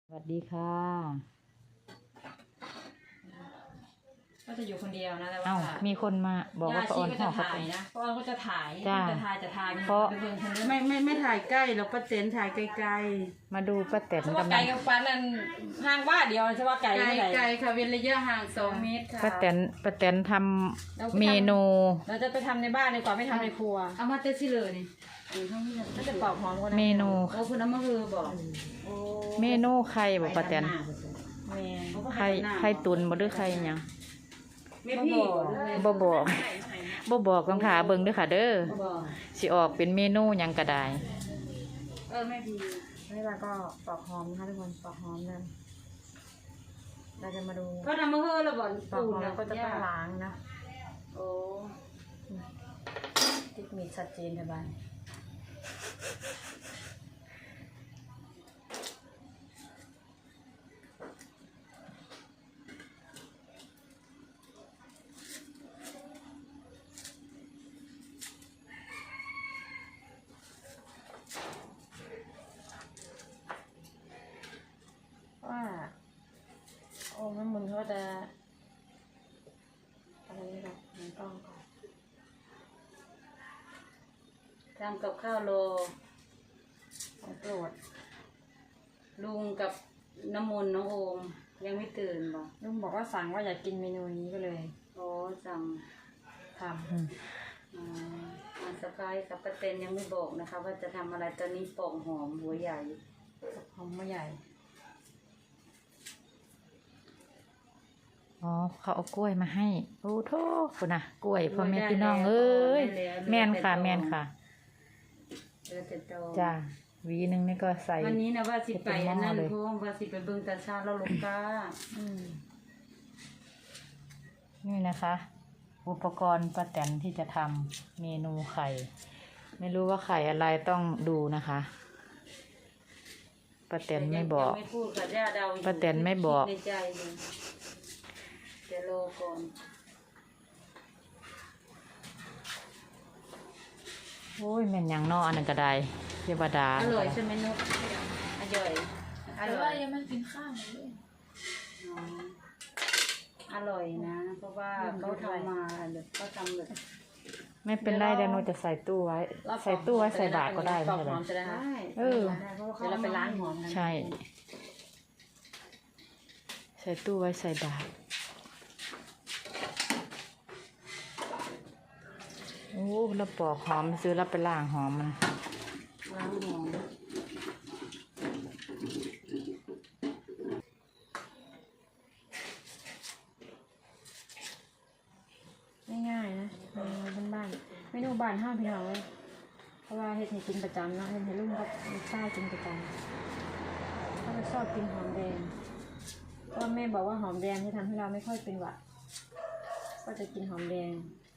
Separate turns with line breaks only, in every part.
สวัสดีค่ะ
ก็จะอยู่คนเดียวนะแต่ว่า
เอ้ามีคนมาบอกว่า
ย่า
ป้าอ
ชี
อน
ก็
ห่
จะ
อข้าว
ถ่าย
ต้ม
นะป้าออนก็จะถ่าย
จ้า
จะถ่าย
เพราะ
ไปเบิ่งคนนึง
ไม่ถ่ายใกล้เราป้าเต็นถ่ายไกล
มาดูป้าแตน
เพราะว่าก
ำ
ไกล
ลัง
กับปันนั่นห่างว่าเดียวใช่ว่าไกล
ๆ
เท่าไหร่
ไกลค่ะเว้นระยะห่าง2 เมตรค่ะ
ป้าแตนทำเมนู
เราจะไปทำในบ้านดีกว่าไม่ทำในครัว
เอามาเตชิเลยนี่ข้างนี้
ก็จะปอกหอมคนนั้น
เมนู
โอ้คุณเอามาคือบอกโอ้
เมนูไข่บอกป้าแตน
แม่
ไข่ตุนบ่หรือไข่หยัง
ไม่พี่
บ่บอกต้องถาเบิ่งเด้อค่ะเด้อ
บอก
สิออกเป็นเมนูหยังก็ได้
แม่พี่
นี่เราก็ปอกหอมนะคะทุกคนปอกหอมนั่นเราจะมาดู
ก็ทำมาคือเราบอก
ปอก
ปู
หอม
น
แล้วก็จะต้องล้างนะ
โอ้
ติ๊กมีชัดเจนใช่ไหม ว่าโอ้แม่มุนเขาจะอะไรนี่หรอมันต้องก่อน
ทำกับข้าวโล
ของโปรด
ลุงกับน้ำมนต์น้องโอมยังไม่ตื่นบอก
ลุงบอกว่าสั่งว่าอยากกินเมนูนี้ก็เลย
โอ้สั่ง
ท
สกายกับป้าเต็นยังไม่บอกนะคะ ว่าจะทำอะไรตอนนี้ปอกหอมหัวใหญ่
ำหอมมะใหญ่
อ๋อเขาเอากล้วยมาให้โอ้โธ่พุ่นน่ะกล้วยพ่อแม่พี่น้องเอ้ยแม่นค่ะแม่นค่ะ
เออแต่โต
จ้าหวีหนึงนี่ก็ใส่
วันนี้นะว่าสิไปอันนั้น
เลย
เพราะว่าสิไปเบิ่งตาชาแล้วลูกกา
นี่นะคะ อุปกรณ์ป้าแตนที่จะทำเมนูไข่ ไม่รู้ว่าไข่อะไรต้องดูนะคะป้าแตนไม่บอก
ยังไม่พูดกับย่าเดาอยู่
ป้าแตนไม่บอก
คิดในใจอยู่จะรอก่อน
โอ้ยแม่นหยังนออันนั้นก็ได้เทวดา
อร่อยใช่ไหมนุ๊กอร่อยอ
แต่
ร่อ
ว่าย ยังไม่กินข้าวเลย
อ๋ออร่อยนะ เพราะว่าเขาทำมาแบบเขาทำแบบ
ไม่เป็นไรเดี๋ยวหนูจะใส่ตู้ไว้ ใส่ตู้ไว้ใส่บาตรก็ได้
ป
ไม่
อก
ใช่
ห
เหร
อ
อ
มจะได้ค่ะ
ได้
เออ
เพราะว่า
เดี๋ยวเราไปล้างหอมกัน
ใช่ ใส่ตู้ไว้ใส่บาตรโอ้เราปอกหอมซื้อแล้วไปล้างหอมมัน
ล้างหอม
ง่ายๆนะเมนูบ้านๆเมนูบ้านห้าพี่น้องเลยเพราะว่าเฮ็ดให้กินประจำเนาะเฮ็ดให้ลุงกับลูกชายกินประจำเขาจะชอบกินหอมแดงเพราะว่าแม่บอกว่าหอมแดงที่ทำให้เราไม่ค่อยเป็นหวัดก็จะกินหอมแดง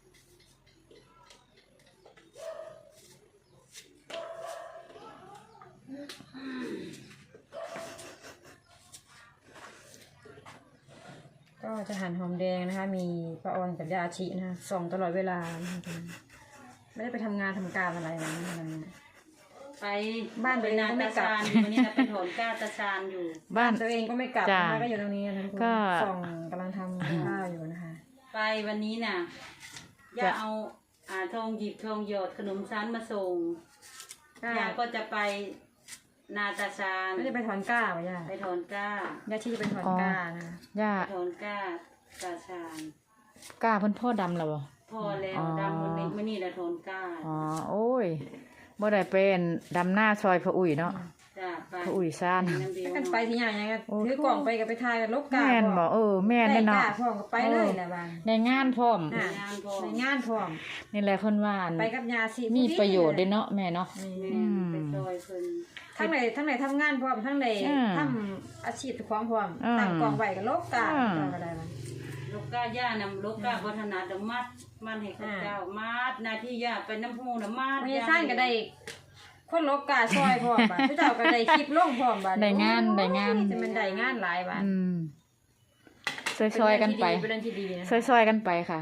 ก็จะหั่นหอมแดงนะคะ มีป้าออนกับยาอาชินะคะส่องตลอดเวลานะคะไม่ได้ไปทำงานทำการอะไรนะวันนี้
ไป
บ้านตัวเอง
นา
ก็ไม่
ตาก
ลับ
ชานอยู่วันนี้นะไปถอนก้าตาชานอยู่
บ้าน
ตัวเองก็ไม่กลับ
จ้า
นะคะก็อยู่ตรงนี้นะทุกคน
ก็
ส่องกำลังทำข้าวอยู่นะคะ
ไปวันนี้น่ะย่าเอาทองหยิบทองหยอดขนมชั้นมาส่งย่าก็จะไปนาตาชาน
ไม่ได้ไปถอนก้าวะย่า
ไปถอนก้า
ย่าที่จะไปถอนก้านะคะ
ย่า
ไปถอนก้าตาชาน
กล้าเพิ่นพ่อดำแล้วบ่
พอแล้ว
อ๋อ
ดำมันนี้มันนี่แหละถอนก้า
อ๋อโอ้ยบ่ได้เป็นดำหน้าซอยพระอุ้ยเนาะ
จ้าไป
พระอุ้ยซ่าน
น้ำเดียว
กันไปที่ไหนยังไง
โอ้
ถือกล่องไปกับไปทายกับลบกา
แม่นบ่แม่น
ได้
แน่
กา
เนาะ
พร้อมกับไปเลยแหละบ้าง
ในงานพร้อม
อ่ะ
งานพอ
ในงานพร้อม
นี่แหละเพิ่นว่าอัน
ไปกับยาสี
มีประโยชน์เด้เนาะแม่เนาะ
แม่
อืม
ไปซอยเพิ่น
ทั้งไหนทำงานพร้อมทั้งไหน
อ่า
ทำอาชีพความพร้อม
อ่า
ตั้งกล่องไว้กับลบกา
อ่า
ต่อกันได้บ้าง
ลูกก้าย่านำลูกก้าวัฒนาดมัดมันให้ข้าเจ้ามัดหนาที่ย่าไปน้ำพูน้ำมัด
ไม่สร้างก็ได้คนลบกาซอยพร้อมบ้านผู้เจ้าก็ได้คลิปลงพร้อมบ้าน
ได้งานได้งาน
จะมันได้งานหลายบ้าน
อืมซอยๆกันไป
เป็นเรื่องที่ดีนะ
ซอยๆกันไปค่ะ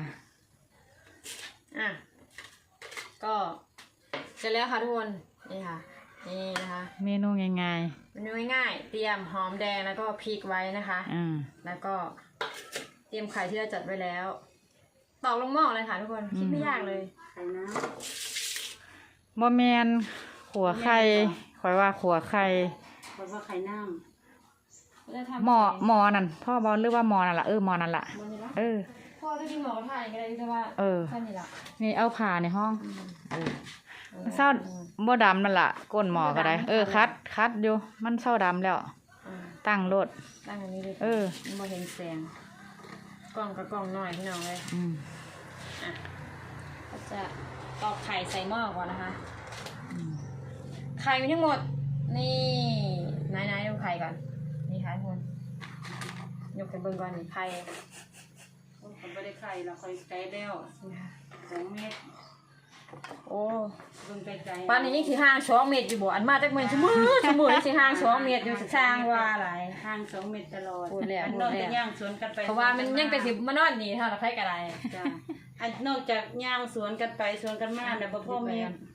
อ่ะก็เสร็จแล้วค่ะทุกคนนี่ค่ะนี่นะคะ
เมนูง่าย
เมนูง่ายๆเตรียมหอมแดงแล้วก็พริกไว้นะคะ
ๆ
แล้วก็เตรียมไข่ที่เราจัดไว้แล้วตอกลงหม้อเลยค่ะทุกคนคิดไม่ยากเลย
ไข่น้
บ่แมนขัวไข่ข่อยว่าขัวไข่
ำเพราะว่าไข่น้
จะทำ
หมอนั่นพ่อบอลหรือว่าหมอนั่นล่ะหมอนั่นล่ะ
มันนี่ละ
เออ
พ่อจะกินหมูกระทะก็ได้แต่ว่า
เออ
แค่นี้ละ
นี่เอาผ่าในห้องเศร้าบ่ดำนั่นล่ะก้นหมอก็ได้คัดอยู่มันเศร้าดำแล้ว ตั้งรถ
ตั้งอันนี้เลย
เออ
มันบ่เห็นแสงกล่องกับกล่องหน่อยพี่น้องเลย ก็จะตอกไข่ใส่หม้อก่อนนะคะไข่มีทั้งหมดนี่ไหนๆดูไข่ก่อนนี่ค่ะทุกคนยกไปเบิ่งก่อนนี่ไข่
ำผมไม่ได้ไข่เราค่อยไกลแล้ว
นี่ค่ะ
2 เมตร
โอ้
เบิ่งไกลๆ
ปานนี้ยังสิห่าง2 เมตรอยู่บ่อันมาจากเมืองชั่วโมงนี่สิห่าง2 เมตรอยู่สร้างว่าหลาย
ห่าง2 เมตรตลอด
พูดแล้ว
อันนอกจากย่างสวนกันไป
เพราะว่ามันยังแต่สิมานอนนี่เท่าละไผก็ได้
จ้ะอันนอกจากย่างสวนกันไปสวนกันมาเนี่ยบ่พ่อมี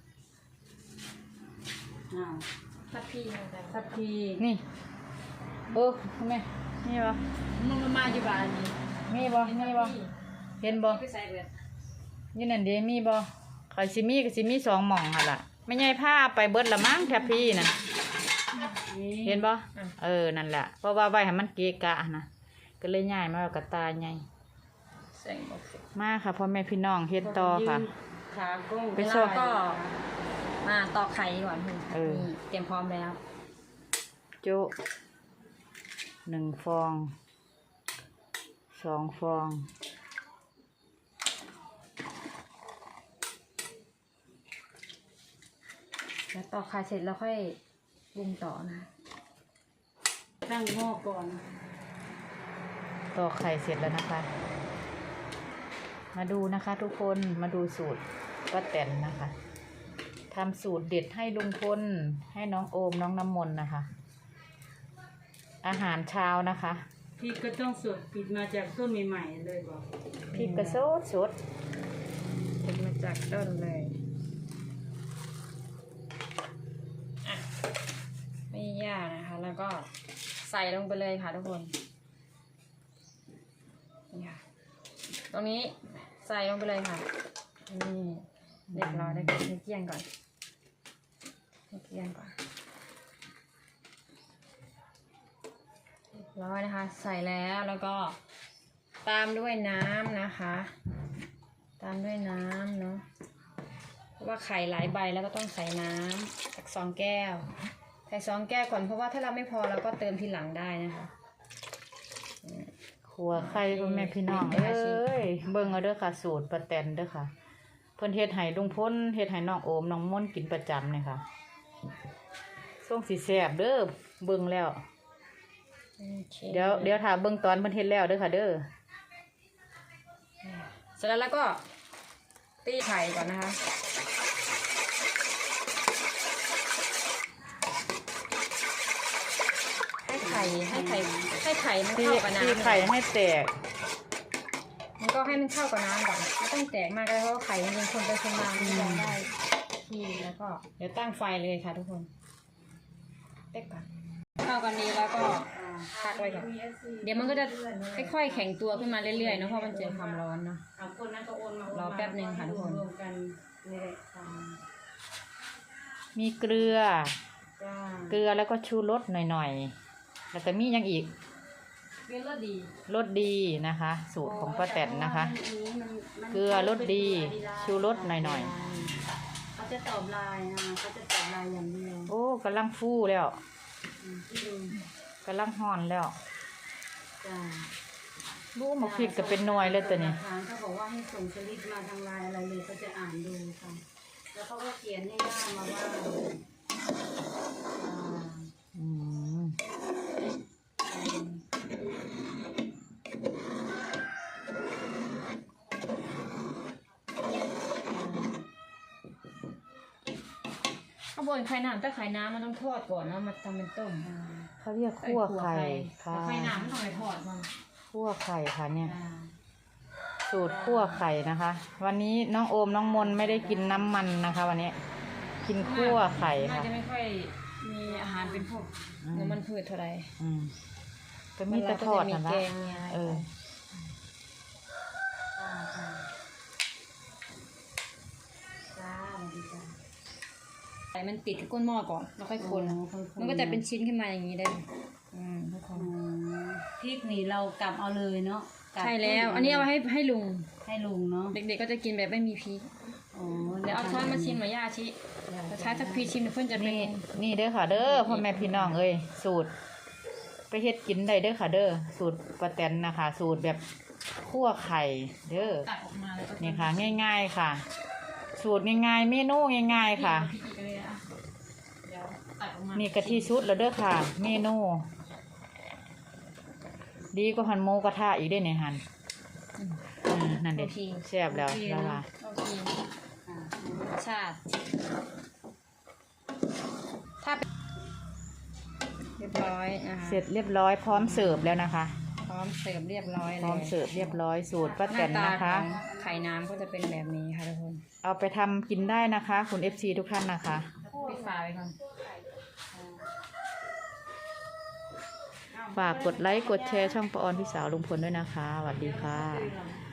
อ้าว
ทับพี่จัง
ทับพี
นี่ทำไมนี่บ่
มันมาอยู่บ้านนี่
มีบ่เห็นบ่
ไปใส่เบิด
อยู่นั่นเด้มีบ่ข่อยสิมีก็สิมี2หม่องหั่นล่ะไม่ใหญ่ผ้าไปเบิดละมั้งแทบพี่น่ะเห็นบ่นั่นแหละเพราะว่าไว้ให้มันเกะกะนะก็เลยย้ายมาเอากระตาใหญ่
แสงบ่ขึ้น
มาค่ะพ่อแม่พี่น้องเฮ็ดต่อค่ะ
ขากล้อง
ไป
เว
ช
ลา
อบ
ก็มาตอกไข่ก่อนคุณ
เออ
นี่เตรียมพร้อมแล้ว
โจ๊ะ1 ฟอง 2 ฟอง
แล้วตอกไข่เสร็จแล้วค่อยปรุงต่อนะ
ตั้งหม้อก่อน
ตอกไข่เสร็จแล้วนะคะ มาดูนะคะทุกคนมาดูสูตรป้าแตนนะคะทำสูตรเด็ดให้ลุงพลให้น้องโอมน้องน้ำมนต์นะคะ อาหารเช้านะคะ
พริกก็ต้องสดปิดมาจากต้นใหม่ๆเลยบอก
พริกกระโซดสด
เป็นมาจากต้นเลยอ่ะไม่ยากนะคะ แล้วก็ใส่ลงไปเลยค่ะทุกคนนี่ค่ะตรงนี้ใส่ลงไปเลยค่ะนี่เรียบร้อยแล้วก็ให้เกลี้ยงก่อนให้เกลี้ยงก่อนเรียบร้อยนะคะ ใส่แล้วก็ตามด้วยน้ำนะคะ ตามด้วยน้ำเนาะเพราะว่าไข่หลายใบแล้วก็ต้องใส่น้ำสัก2 แก้วใส่2 แก้วก่อนเพราะว่าถ้าเราไม่พอเราก็เติมทีหลังได้นะคะ
ขัวไข่พ่อแม่พี่น้องเอ้ยเบิ่งเอาเด้อค่ะสูตรป้าแตนเด้อค่ะเพิ่นเฮ็ดให้ลุงพลเฮ็ดให้น้องโอมน้องมนต์กินประจำเนี่ยค่ะส่งสิแซ่บเด้อเบิ่งแล้ว
โอเค
เดี๋ยวถ้าเบิ่งตอนเพิ่นเฮ็ดแล้วเด้อค่ะเด้อ
เสร็จแล้วก็ตีไข่ก่อนนะคะให้ไข่มัน
ตี
เข้ากับน้ำ
ไข่ให้แตก
มันก็ให้มันเข้ากับน้ำก่อนไม่ต้องแตกมากก็ได้เพราะว่าไข่มันเป็นคนไปคนมามันจะได้ที่แล้วก็เดี๋ยวตั้งไฟเลยค่ะทุกคนเต็กก่อนเข้ากันดีแล้วก็พักไว้ก่อนเดี๋ยวมันก็จะค่อยๆแข็งตัวขึ้นมาเรื่อยๆเนอะเพราะมันเจอความร้อนเนาะ
เอาคนนั้นก็โอนมาร
อแป๊บนึงค่ะทุกคน
รวมๆกันนี่แหละค่ะ
มีเกลือ
จ้า
เกลือแล้วก็ชูรสหน่อยๆแล้วก็มีหยังอีก
เกลือดี
รสดีนะคะ สูตรของป้าแตนนะคะ เกลือรสดีชูรสหน่อย
เขาจะตอบไลน์นะเขาจะตอบไลน์อย่างเดียว
โอ้กำลังฟูแล้ว
ที่ดู
กำลังฮ้อนแล้ว
จ้า
รู้มาพริกก็เป็นหน่วยเลยตัวนี้
ทางเขาบอกว่าให้ส่งสลิปมาทางไลน์อะไรเลยเขาจะอ่านดูค่ะแล้วเขาก็เขียนให้หน้ามาว่า
อืม
ข้าวบนไข่น้ำถ้าไข่น้ำมันต้องทอดก่อนเนาะมาทำเป็นต้ม
เขาเรียกคั่วไข่ค่ะ
ไข่น้ำมันต้องไปทอดมัน
คั่วไข่ค่ะเนี่ย
อ่า
สูตรคั่วไข่นะคะ วันนี้น้องโอมน้องมนไม่ได้กินน้ำมันนะคะ วันนี้กินคั่วไข่
น่า
ค่ะ
จะไม่ค่อยมีอาหารเป็นพวกน้ำมันพืชเท่าไหร่
อืมก็มีแต่ทอด
มี
นั่น
แก
ละ
งมีอะไร
เออ
จ้าสวัสดีจ้า
ไข่มันติดกับก้นหม้อก่อนแล้วค่อยคน มันก็จะเป็นชิ้นขึ้นมาอย่างนี้ได้เลยทุกคน
พริกนี่เรากลับเอาเลยเนาะกบ
ใช่แล้ว อันนี้เอาไว้ให้ลุง
ให้ลุงเนาะ
เด็กๆก็จะกินแบบไม่มีพริก
อ๋อ
เดี๋ยวเอาช้อนมาชิมหน่อยย่าชิแต่ใช้สักพีชิมเดี๋ยวเพื่อนจะเป็น
นี่เด้อค่ะ เด้อพ่อแม่พี่น้องเอ้ยสูตร ไปเฮ็ดกินได้เด้อค่ะ เด้อสูตรป้าแตนนะคะ สูตรแบบคั่วไข่เด้อ
ตักออกมาแล้วก็
นี่ค่ะ ง่าย ๆค่ะ สูตรง่ายๆเมนูง่ายๆค่ะ
พริกอีกเลยอ่ะเดี๋ยวตักออกมา
นี่กะทิชุดแล้วเด้อค่ะ เมนู ดีกว่าหันหมูกระทะอีกได้ในหันนั่นเด็ดแซ่บแล้วแล้วว่า
โอเครสชาติถ้าเป็นเรียบร้อยนะคะ
เสร็จเรียบร้อยพร้อมเสิร์ฟแล้วนะคะ
พร้อมเสิร์ฟเรียบร้อย
พ
เลย
ร้อมเสิร์ฟเรียบร้อยสูตรป้า
ห
แต
น้าน ตา
นะ
ข
คะ
องไข่น้ำก็จะเป็นแบบนี้ค่ะทุกคน
เอาไปทำกินได้นะคะ คุณ FC ทุกท่านนะคะ
ปิดฝาไว้ก่อน
ฝากกดไลค์กดแชร์ช่องปออนพี่สาวลุงพลด้วยนะคะสวัสดีค่ะ